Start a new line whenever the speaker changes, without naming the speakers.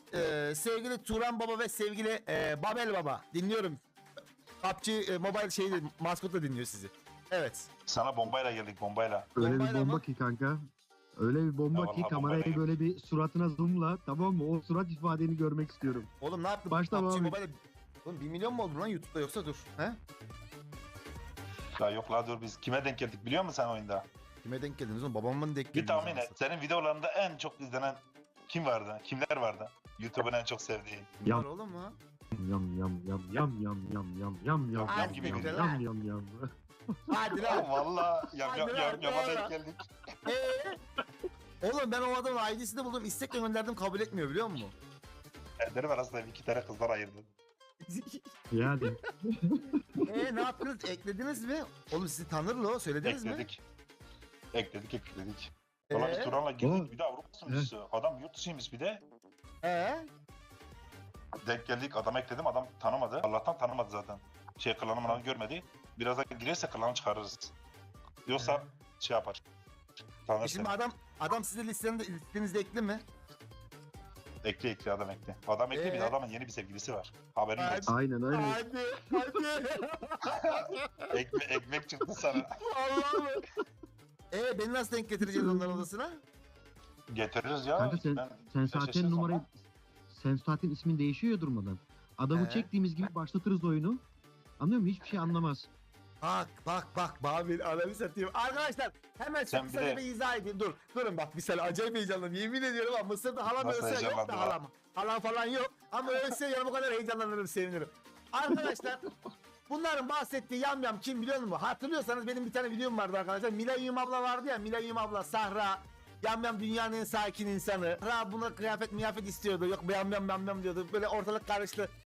sevgili Turan Baba ve sevgili Babel Baba dinliyorum. PUBG Mobile şeyi maskotla dinliyor sizi. Evet.
Sana bombayla geldik, bombayla.
Öyle bir
Bombayla
bomba
mı?
ki kanka. Öyle bir bomba
Ya
ki
vallahi
kamerayı
bombayla
böyle bir suratına zoomla, tamam mı? O surat ifadeni görmek istiyorum.
Oğlum ne yaptın?
Başla
PUBG
abi.
Mobile. Oğlum 1 milyon mu oldu lan YouTube'da yoksa dur. He?
Ya yok la dur, biz kime denk geldik biliyor musun sen oyunda?
Kime denk geldiniz oğlum? Babamın denk
Bir
geldiniz.
tahmin
anasını.
et. Senin videolarında en çok izlenen kim vardı? Kimler vardı? YouTube'un en çok sevdiği.
Kim var
Ya.
oğlum mu?
Yam yam yam yam yam yam yam yam yam
Hadi
gibi
yam
gidiyor.
yam yam yam.
Hadi
Ya
lan.
valla yama
Hadi lan.
denk geldik.
Oğlum ben o adamın ID'sini buldum. İstekle gönderdim kabul etmiyor biliyor musun?
Ellerim arasında 2 tane kızlar ayırdı.
Yani
Ne yaptınız? Eklediniz mi? Oğlum sizi tanır lo. Söylediniz mi?
Ekledik. Ekledik. Valla biz Turan'la girdik,
Oğlum.
bir de Avrupa sunucusu. Adam yurt dışıymış bir de. Denk geldik, adam ekledim, adam tanımadı. Allah'tan tanımadı zaten. Klanı mıranı görmedi. Birazdan girerse klanı çıkarırız. Yoksa şey yapar. Tanır
Şimdi
seni.
adam size listenizde ekli mi?
Ekle adam ekle. Adam ekle, bir de adamın yeni bir sevgilisi var. Haberin
Hadi.
olsun.
aynen aynen.
Hadi.
Ekmek çıktı sana.
Allah'ım. Beni nasıl denk getireceğiz onların odasına?
Getiririz ya.
Kanka sen
şaşırırım
zaten numarayı
ama.
sen zaten ismin değişiyor ya durmadan. Adamı
He.
çektiğimiz gibi başlatırız oyunu. Anlıyor musun? Hiçbir şey anlamaz.
Bak Babil ananı satayım. Arkadaşlar hemen
Sen
çok
bir
kısa
de-
bir izah edeyim. Durun bak bir saniye acayip heyecanlıyım. Yemin ediyorum ama Mısır'da halam
Nasıl
ölse yok da
heyecanlandın
halam. Halam falan yok ama ölse yanıma kadar heyecanlanırım sevinirim. Arkadaşlar bunların bahsettiği yamyam kim biliyor musun? Hatırlıyorsanız benim bir tane videom vardı arkadaşlar. Milayim abla vardı ya, Milayim abla Sahra. Yamyam dünyanın en sakin insanı. Ra buna kıyafet istiyordu. Yok yamyam diyordu. Böyle ortalık karıştı.